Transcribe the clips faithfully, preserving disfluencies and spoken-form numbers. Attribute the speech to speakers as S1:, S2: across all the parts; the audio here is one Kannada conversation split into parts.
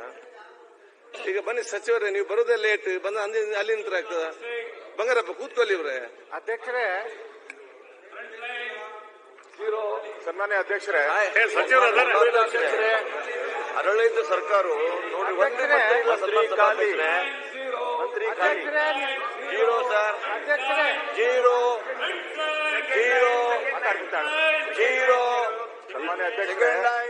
S1: ಈಗ ಬನ್ನಿ ಸಚಿವರೇ, ನೀವು ಬರೋದೇ ಲೇಟ್, ಬಂದ ಅಲ್ಲಿ ನಿಂತರ ಆಗ್ತದ. ಬಂಗಾರಪ್ಪ ಕೂತ್ಕೊಳ್ಳಿ ಇವ್ರೆ.
S2: ಅಧ್ಯಕ್ಷರೇ, ಸನ್ಮಾನ್ಯ ಅಧ್ಯಕ್ಷರೇ,
S1: ಆಡಳಿತ ಸರ್ಕಾರ ನೋಡಿ ಮಂತ್ರಿ ಖಾಲಿ ಮಂತ್ರಿ ಖಾಲಿ zero sir, zero zero zero.
S2: ಸನ್ಮಾನ್ಯ ಅಧ್ಯಕ್ಷರೇ,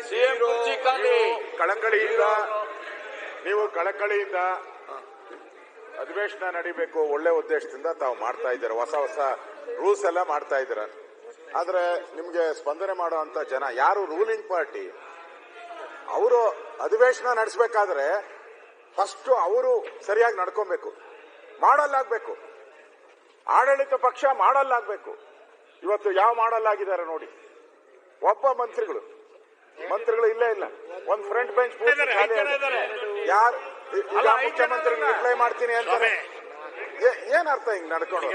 S2: ಕಳಕಳಿಯಿಂದ ನೀವು ಕಳಕಳಿಯಿಂದ ಅಧಿವೇಶನ ನಡೀಬೇಕು ಒಳ್ಳೆ ಉದ್ದೇಶದಿಂದ ತಾವು ಮಾಡ್ತಾ ಇದ್ದಾರೆ, ಹೊಸ ಹೊಸ ರೂಲ್ಸ್ ಎಲ್ಲ ಮಾಡ್ತಾ ಇದ್ದೀರ. ಆದ್ರೆ ನಿಮ್ಗೆ ಸ್ಪಂದನೆ ಮಾಡುವಂತ ಜನ ಯಾರು ರೂಲಿಂಗ್ ಪಾರ್ಟಿ, ಅವರು ಅಧಿವೇಶನ ನಡೆಸಬೇಕಾದ್ರೆ ಫಸ್ಟ್ ಅವರು ಸರಿಯಾಗಿ ನಡ್ಕೊಬೇಕು, ಮಾಡಲ್ಲಾಗಬೇಕು. ಆಡಳಿತ ಪಕ್ಷ ಮಾಡಲ್ಲಾಗಬೇಕು. ಇವತ್ತು ಯಾವ ಮಾಡಲ್ಲಾಗಿದ್ದಾರೆ ನೋಡಿ. ಒಬ್ಬ ಮಂತ್ರಿಗಳು ಮಂತ್ರಿಗಳು ಇಲ್ಲೇ ಇಲ್ಲ. ಒಂದ್ ಫ್ರಂಟ್ ಬೆಂಚ್ ಯಾರು ಈಗ ಮುಖ್ಯಮಂತ್ರಿ ರಿಪ್ಲೈ ಮಾಡ್ತೀನಿ ಅಂತಾರೆ. ಏನ್ ಅರ್ಥ ಹಿಂಗ್ ನಡ್ಕೊಂಡು?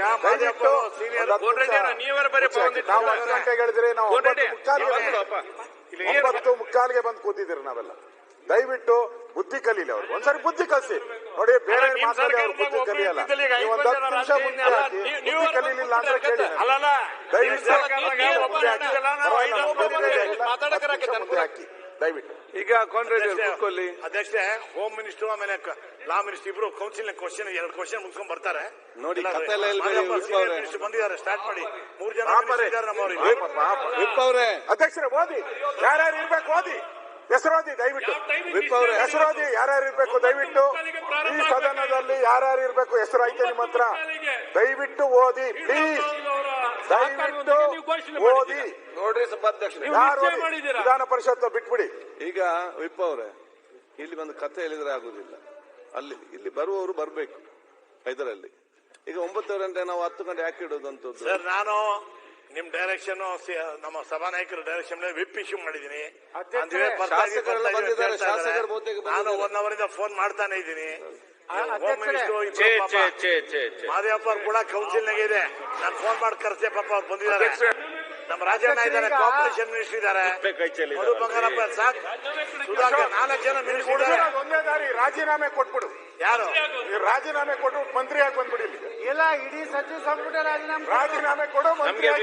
S2: ನಾವು ಒಂದು ಗಂಟೆಗೆ ಹೇಳಿದ್ರೆ ನಾವು ಒಂಬತ್ತು ಮುಕ್ಕಾಲ್ಗೆ ಒಂಬತ್ತು ಮುಕ್ಕಾಲ್ಗೆ ಬಂದು ಕೂತಿದ್ದೀರಿ ನಾವೆಲ್ಲ. ದಯವಿಟ್ಟು ಬುದ್ಧಿ ಕಲೀಲಿ ಅವ್ರು, ಒಂದ್ಸರಿ ಬುದ್ಧಿ ಕಲಿಸಿ ನೋಡಿ. ಬೇರೆ ಮಾತಾಡಿ ಅವ್ರು ಬುದ್ಧಿ ಕಲಿಯಲ್ಲ. ನೀವು ಒಂದ್ ಹತ್ತು ನಿಮಿಷ ಮುಂದೆ ಹಾಕಿ ಬುದ್ಧಿ ಕಲೀಲಿಲ್ಲ ಅಂದ್ರೆ ಕೇಳಿ. ದಯವಿಟ್ಟು ಮುಂದೆ ಹಾಕಿ ದಯವಿಟ್ಟು.
S1: ಈಗ ಕಾಂಗ್ರೆಸ್ ಕೂತ್ಕೊಳ್ಳಿ.
S3: ಅಧ್ಯಕ್ಷರೇ, ಹೋಮ್ ಮಿನಿಸ್ಟರ್ ಆಮೇಲೆ ಲಾ ಮಿನಿಸ್ಟರ್ ಇಬ್ರು ಕೌನ್ಸಿಲ್ ಕ್ವಶನ್ ಎರಡು ಕ್ವಶನ್ ಮುಗಿಸ್ಕೊಂಡ್ ಬರ್ತಾರೆ
S1: ನೋಡಿ.
S3: ಬಂದಿದ್ದಾರೆ, ಸ್ಟಾರ್ಟ್ ಮಾಡಿ. ಮೂರ್ ಜನ
S2: ಅಧ್ಯಕ್ಷರೇ ಓದಿ, ಯಾರ್ಯಾರು ಇರ್ಬೇಕು ಓದಿ, ಹೆಸರೋದಿ ದಯವಿಟ್ಟು. ಹೆಸರೋದಿ ಯಾರ್ಯಾರು ಇರ್ಬೇಕು ದಯವಿಟ್ಟು. ಈ ಸದನದಲ್ಲಿ ಯಾರ್ಯಾರು ಇರ್ಬೇಕು ಹೆಸರು ಐತೆ ನಿಮ್ಮ ಹತ್ರ, ದಯವಿಟ್ಟು ಓದಿ ಪ್ಲೀಸ್, ದಯವಿಟ್ಟು ಓದಿ.
S1: ನೋಡ್ರಿ ಸಭಾಧ್ಯಕ್ಷ,
S2: ಯಾರು ವಿಧಾನ ಪರಿಷತ್ ಬಿಟ್ಬಿಡಿ.
S1: ಈಗ ವಿಪ್ ಅವರೇ, ಇಲ್ಲಿ ಒಂದು ಕಥೆ ಹೇಳಿದ್ರೆ ಆಗುದಿಲ್ಲ. ಅಲ್ಲಿ ಇಲ್ಲಿ ಬರುವವರು ಬರ್ಬೇಕು ಇದರಲ್ಲಿ. ಈಗ ಒಂಬತ್ತು ಗಂಟೆ ನಾವು ಹತ್ತು ಗಂಟೆ ಯಾಕೆ ಇಡೋದಂತದ್ದು
S3: ಸರ್? ನಾನು ನಿಮ್ ಡೈರೆಕ್ಷನ್, ನಮ್ಮ ಸಭಾನಾಯಕರ ಡೈರೆಕ್ಷನ್ ವಿಪ್ ಇಶ್ಯೂ ಮಾಡಿದೀನಿ. ನಾನು ಒನ್ ಅವರ್ ಇಂದ ಫೋನ್ ಮಾಡ್ತಾನೆ ಇದ್ದೀನಿ. ಮಾದೇವಪ್ಪ ಅವ್ರು ಕೂಡ ಕೌನ್ಸಿಲ್ ನಾಗ ಇದೆ. ನಾನು ಫೋನ್ ಮಾಡಿ ಕರ್ಸೆ, ಪಾಪ ಅವ್ರು ಬಂದಿದ್ದಾರೆ. ನಮ್ಮ ರಾಜಣ್ಣ ಇದ್ದಾರೆ, ಕೋಆಪರೇಷನ್ ಮಿನಿಸ್ಟರ್ ಇದ್ದಾರೆ, ಮಧು ಬಂಗಾರಪ್ಪ, ಸಾಕ್ ಸುಧಾಕರ್, ನಾಲ್ಕು ಜನ ಮಿನಿಸ್ಟರ್ ಇದ್ದಾರೆ.
S2: ಒಂದೇ ದಾರಿ, ರಾಜೀನಾಮೆ ಕೊಟ್ಬಿಡು.
S3: ಯಾರು
S2: ರಾಜೀನಾಮೆ ಕೊಟ್ಟು ಮಂತ್ರಿ ಆಗಿ ಬಂದ್ಬಿಡಿ.
S4: ಇಲ್ಲ, ಇಡೀ ಸಚಿವ ಸಂಪುಟ ರಾಜೀನಾಮೆ
S2: ರಾಜೀನಾಮೆ ಕೊಡು, ಮಂತ್ರಿ ಆಗಿ.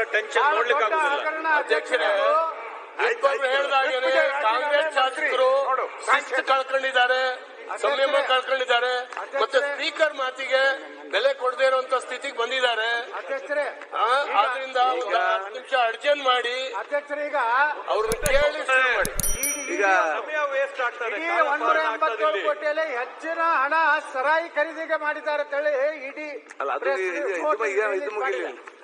S5: ಕಾಂಗ್ರೆಸ್ ಶಾಸಕರು ಶಿಸ್ತು ಕಳ್ಕೊಂಡಿದ್ದಾರೆ, ಸಂಯಮ ಕಳ್ಕೊಂಡಿದ್ದಾರೆ, ಮತ್ತೆ ಸ್ಪೀಕರ್ ಮಾತಿಗೆ ಬೆಲೆ ಕೊಡದೇ ಇರುವಂತ ಸ್ಥಿತಿಗೆ ಬಂದಿದ್ದಾರೆ. ಆದ್ರಿಂದ ಒಂದು ಹತ್ತು ನಿಮಿಷ ಅರ್ಜೆಂಟ್ ಮಾಡಿ
S4: ಈಗ
S5: ಅವ್ರನ್ನ ಕೇಳಿ ಶುರು ಮಾಡಿ.
S1: ಈಗ ವೇಸ್ಟ್ ಆಗ್ತದೆ.
S4: ಒಂದೂರ ಎಂಬತ್ತೇಳು ಕೋಟಿಯಲ್ಲಿ ಹೆಚ್ಚಿನ ಹಣ ಸರಾಯಿ ಖರೀದಿಗೆ ಮಾಡಿದ್ದಾರೆ ಅಂತೇಳಿ ಇಡೀ
S1: ಅಲ್ಲ, ಅದು ಇದು ಮುಗಿಲಿಲ್ಲ.